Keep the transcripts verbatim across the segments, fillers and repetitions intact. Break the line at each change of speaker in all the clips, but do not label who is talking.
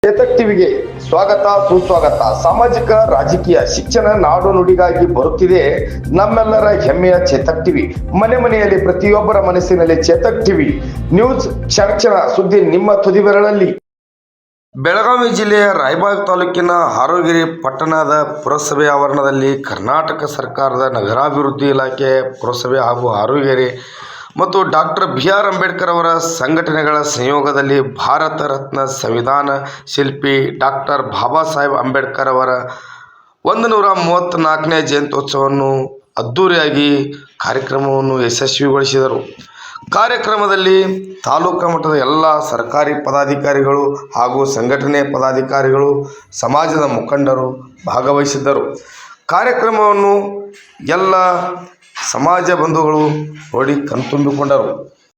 ಚೇತಕ್ ಟಿವಿಗೆ ಸ್ವಾಗತ ಸುಸ್ವಾಗತ. ಸಾಮಾಜಿಕ ರಾಜಕೀಯ ಶಿಕ್ಷಣ ನಾಡು ನುಡಿಗಾಗಿ ಬರುತ್ತಿದೆ ನಮ್ಮೆಲ್ಲರ ಹೆಮ್ಮೆಯ ಚೇತಕ್ ಟಿವಿ. ಮನೆ ಮನೆಯಲ್ಲಿ ಪ್ರತಿಯೊಬ್ಬರ ಮನಸ್ಸಿನಲ್ಲಿ ಚೇತಕ್ ಟಿವಿ ನ್ಯೂಸ್, ಕ್ಷಣ ಕ್ಷಣ ಸುದ್ದಿ ನಿಮ್ಮ ತುದಿ ಬೆರಳಲ್ಲಿ. ಬೆಳಗಾವಿ ಜಿಲ್ಲೆಯ ರಾಯಬಾಗ ತಾಲೂಕಿನ ಹಾರೋಗಿರಿ ಪಟ್ಟಣದ ಪುರಸಭೆ ಆವರಣದಲ್ಲಿ ಕರ್ನಾಟಕ ಸರ್ಕಾರದ ನಗರಾಭಿವೃದ್ಧಿ ಇಲಾಖೆ ಪುರಸಭೆ ಹಾಗೂ ಹಾರೋಗಿರಿ ಮತ್ತು ಡಾಕ್ಟರ್ ಬಿ ಆರ್ ಅಂಬೇಡ್ಕರ್ ಅವರ ಸಂಘಟನೆಗಳ ಸಂಯೋಗದಲ್ಲಿ ಭಾರತ ರತ್ನ ಸಂವಿಧಾನ ಶಿಲ್ಪಿ ಡಾಕ್ಟರ್ ಬಾಬಾ ಸಾಹೇಬ್ ಅಂಬೇಡ್ಕರ್ ಅವರ ಒಂದು ನೂರ ಮೂವತ್ತ್ನಾಲ್ಕನೇ ಜಯಂತ್ಯೋತ್ಸವವನ್ನು ಅದ್ಧೂರಿಯಾಗಿ ಕಾರ್ಯಕ್ರಮವನ್ನು ಯಶಸ್ವಿಗೊಳಿಸಿದರು. ಕಾರ್ಯಕ್ರಮದಲ್ಲಿ ತಾಲೂಕು ಮಟ್ಟದ ಎಲ್ಲ ಸರ್ಕಾರಿ ಪದಾಧಿಕಾರಿಗಳು ಹಾಗೂ ಸಂಘಟನೆ ಪದಾಧಿಕಾರಿಗಳು, ಸಮಾಜದ ಮುಖಂಡರು ಭಾಗವಹಿಸಿದ್ದರು. ಕಾರ್ಯಕ್ರಮವನ್ನು ಎಲ್ಲ ಸಮಾಜ ಬಂಧುಗಳು ನೋಡಿ ಕಣ್ತುಂಬಿಕೊಂಡರು.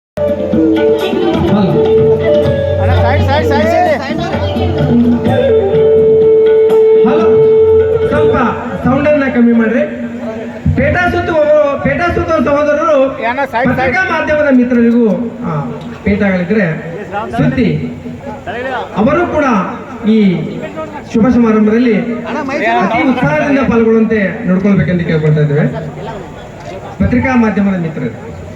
ಸ್ವಲ್ಪ ಸೌಂಡನ್ನ ಕಮ್ಮಿ ಮಾಡ್ರಿ. ಪೇಟಾ ಸುತ್ತು ಪೇಟಾ ಸುತ್ತ ಸಹೋದರರು ಪತ್ರಿಕಾ ಮಾಧ್ಯಮದ ಮಿತ್ರರಿಗೂ ಪೇಟಾಗಳಿದ್ರೆ ಸುದ್ದಿ ಅವರು ಕೂಡ ಈ ಶುಭ ಸಮಾರಂಭದಲ್ಲಿ ಅತಿ ಉತ್ಸಾಹದಿಂದ ಪಾಲ್ಗೊಳ್ಳುವಂತೆ ನೋಡ್ಕೊಳ್ಬೇಕೆಂದು ಕೇಳ್ಕೊಳ್ತಾ ಇದ್ದೇವೆ. ಪತ್ರಿಕಾ ಮಾಧ್ಯಮದ ಮಿತ್ರರು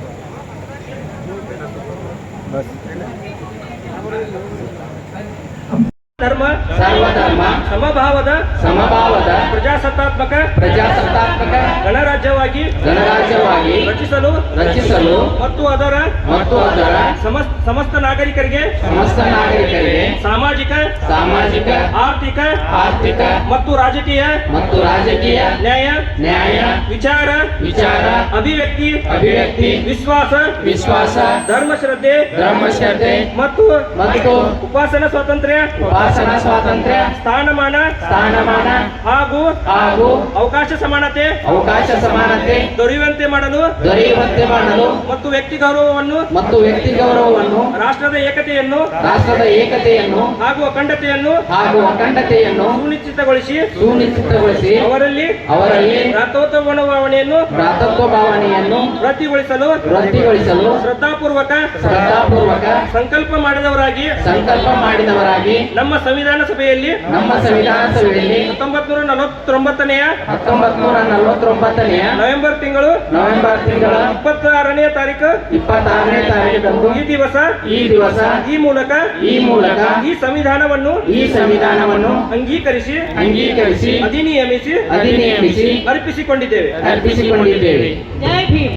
ಧರ್ಮ ಸರ್ವಧರ್ಮ ಸಮಭಾವದ ಸಮಭಾವದ ಪ್ರಜಾಸತ್ತಾತ್ಮಕ ಪ್ರಜಾಸತ್ತಾತ್ಮಕ ಗಣರಾಜ್ಯವಾಗಿ ಗಣರಾಜ್ಯವಾಗಿ ರಚಿಸಲು ರಚಿಸಲು ಮತ್ತು ಅದರ ಮತ್ತು ಅದರ ಸಮಸ್ತ ನಾಗರಿಕರಿಗೆ ಸಮಸ್ತ ನಾಗರಿಕರಿಗೆ ಸಾಮಾಜಿಕ ಸಾಮಾಜಿಕ ಆರ್ಥಿಕ ಆರ್ಥಿಕ ಮತ್ತು ರಾಜಕೀಯ ಮತ್ತು ರಾಜಕೀಯ ನ್ಯಾಯ ನ್ಯಾಯ ವಿಚಾರ ವಿಚಾರ ಅಭಿವ್ಯಕ್ತಿ ಅಭಿವ್ಯಕ್ತಿ ವಿಶ್ವಾಸ ವಿಶ್ವಾಸ ಧರ್ಮ ಶ್ರದ್ಧೆ ಧರ್ಮ ಶ್ರದ್ಧೆ ಮತ್ತು ಮತ್ತು ಉಪಾಸನಾ ಸ್ವಾತಂತ್ರ್ಯ ಉಪಾಸನಾ ಸ್ವಾತಂತ್ರ್ಯ ಸ್ಥಾನಮಾನ ಸ್ಥಾನಮಾನ ಹಾಗೂ ಹಾಗೂ ಅವಕಾಶ ಸಮಾನತೆ ಅವಕಾಶ ಸಮಾನತೆ ದೊರೆಯುವಂತೆ ಮಾಡಲು ದೊರೆಯುವಂತೆ ಮಾಡಲು ಮತ್ತು ವ್ಯಕ್ತಿ ಗೌರವವನ್ನು ಮತ್ತು ವ್ಯಕ್ತಿ ಗೌರವವನ್ನು ರಾಷ್ಟ್ರದ ಏಕತೆಯನ್ನು ರಾಷ್ಟ್ರದ ಏಕತೆಯನ್ನು ಹಾಗೂ ಅಖಂಡತೆಯನ್ನು ಹಾಗೂ ಅಖಂಡತೆಯನ್ನು ಸುನಿಶ್ಚಿತಗೊಳಿಸಿ ಸುನಿಶ್ಚಿತಗೊಳಿಸಿ ಅವರಲ್ಲಿ ಅವರಲ್ಲಿ ಭ್ರಾತೃತ್ವ ಭಾವನೆಯನ್ನು ಭ್ರಾತೃತ್ವ ಭಾವನೆಯನ್ನು ವೃದ್ಧಿಗೊಳಿಸಲು ವೃದ್ಧಿಗೊಳಿಸಲು ಶ್ರದ್ಧಾಪೂರ್ವಕ ಶ್ರದ್ಧಾಪೂರ್ವಕ ಸಂಕಲ್ಪ ಮಾಡಿದವರಾಗಿ ಸಂಕಲ್ಪ ಮಾಡಿದವರಾಗಿ ನಮ್ಮ ಸಂವಿಧಾನ ಸಭೆಯಲ್ಲಿ ನಮ್ಮ ಸಂವಿಧಾನ ಸಭೆಯಲ್ಲಿ ಹತ್ತೊಂಬತ್ ನೂರ ನಲವತ್ತೊಂಬತ್ತನೆಯ ಹತ್ತೊಂಬತ್ ನೂರ ನಲವತ್ತೊಂಬತ್ತನೆಯ ನವೆಂಬರ್ ತಿಂಗಳು ನವೆಂಬರ್ ತಿಂಗಳ ಇಪ್ಪತ್ತಾರನೇ ತಾರೀಕು ಇಪ್ಪತ್ತಾರನೇ ತಾರೀಕು ಈ ದಿವಸ ಈ ದಿವಸ ಈ ಮೂಲಕ ಈ ಮೂಲಕ ಈ ಸಂವಿಧಾನವನ್ನು ಈ ಸಂವಿಧಾನವನ್ನು ಅಂಗೀಕರಿಸಿ ಅಂಗೀಕರಿಸಿ ಅಧಿನಿಯಮಿಸಿ ಅಧಿನಿಯಮಿಸಿ ಅರ್ಪಿಸಿಕೊಂಡಿದ್ದೇವೆ ಅರ್ಪಿಸಿಕೊಂಡಿದ್ದೇವೆ. ಜೈ ಭೀಮ್.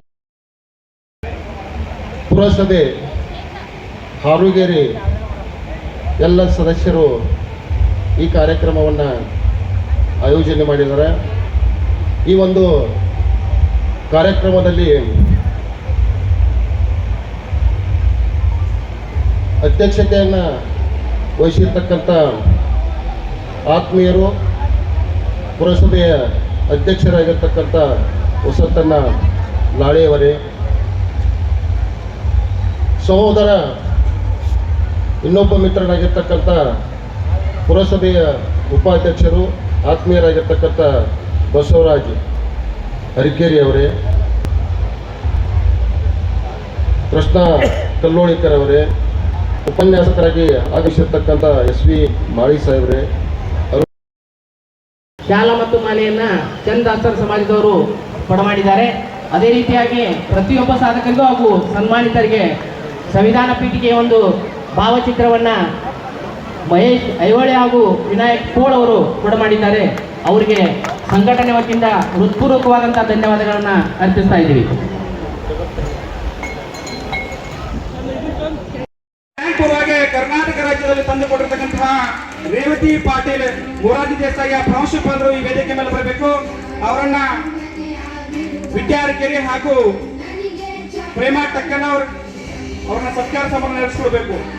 ಪುರಸಭೆ ಹಾರೋಗಿರಿ ಎಲ್ಲ ಸದಸ್ಯರು ಈ ಕಾರ್ಯಕ್ರಮವನ್ನು ಆಯೋಜನೆ ಮಾಡಿದ್ದಾರೆ. ಈ ಒಂದು ಕಾರ್ಯಕ್ರಮದಲ್ಲಿ ಅಧ್ಯಕ್ಷತೆಯನ್ನು ವಹಿಸಿರ್ತಕ್ಕಂಥ ಆತ್ಮೀಯರು, ಪುರಸಭೆಯ ಅಧ್ಯಕ್ಷರಾಗಿರ್ತಕ್ಕಂಥ ವಸಂತಣ್ಣ ಲಾಳೆಯವರೇ, ಸಹೋದರ ಇನ್ನೊಬ್ಬ ಮಿತ್ರರಾಗಿರ್ತಕ್ಕಂಥ ಪುರಸಭೆಯ ಉಪಾಧ್ಯಕ್ಷರು ಆತ್ಮೀಯರಾಗಿರ್ತಕ್ಕಂಥ ಬಸವರಾಜ್ ಅರಿಕೇರಿ ಅವರೇ, ಕೃಷ್ಣ ಕಲ್ಲೋಳಿಕರ್ ಅವರೇ, ಉಪನ್ಯಾಸಕರಾಗಿ ಆಗಮಿಸಿರ್ತಕ್ಕಂಥ ಎಸ್ ವಿ ಮಾಳಿ ಸಾಹೇಬ್ರೆ,
ಶಾಲಾ ಮತ್ತು ಮಾಲೆಯನ್ನ ಚಂದಾಸರ್ ಸಮಾಜದವರು ಕೊಡಮಾಡಿದ್ದಾರೆ. ಅದೇ ರೀತಿಯಾಗಿ ಪ್ರತಿಯೊಬ್ಬ ಸಾಧಕರಿಗೂ ಹಾಗೂ ಸನ್ಮಾನಿತರಿಗೆ ಸಂವಿಧಾನ ಪೀಠಿಗೆ ಒಂದು ಭಾವಚಿತ್ರವನ್ನ ಮಹೇಶ್ ಐಹೊಳೆ ಹಾಗೂ ವಿನಾಯಕ್ ಕೋಳ್ ಅವರು ಕೊಡಮಾಡಿದ್ದಾರೆ. ಅವರಿಗೆ ಸಂಘಟನೆ ವತಿಯಿಂದ ಹೃತ್ಪೂರ್ವಕವಾದಂತಹ ಧನ್ಯವಾದಗಳನ್ನ ಅರ್ಪಿಸ್ತಾ ಇದ್ದೀವಿ.
ಪೂರ್ವವಾಗಿ ಕರ್ನಾಟಕ ರಾಜ್ಯದಲ್ಲಿ ತಂದುಕೊಟ್ಟಿರ್ತಕ್ಕಂತಹ ರೇವತಿ ಪಾಟೀಲ್ ಮೊರಾರ್ಜಿ ದೇಸಾಯಿ ಪ್ರಾಂಶುಪಾಲರು ಈ ವೇದಿಕೆ ಮೇಲೆ ಬರಬೇಕು. ಅವರನ್ನ ವಿದ್ಯಾರ್ಥಿಯರಿಗೆ ಹಾಗೂ ಪ್ರೇಮ ಟಕ್ಕನವ್ರು ಅವ್ರನ್ನ ಸತ್ಕಾರ ಸಮಾರಂಭ ನಡೆಸಿಕೊಡ್ಬೇಕು.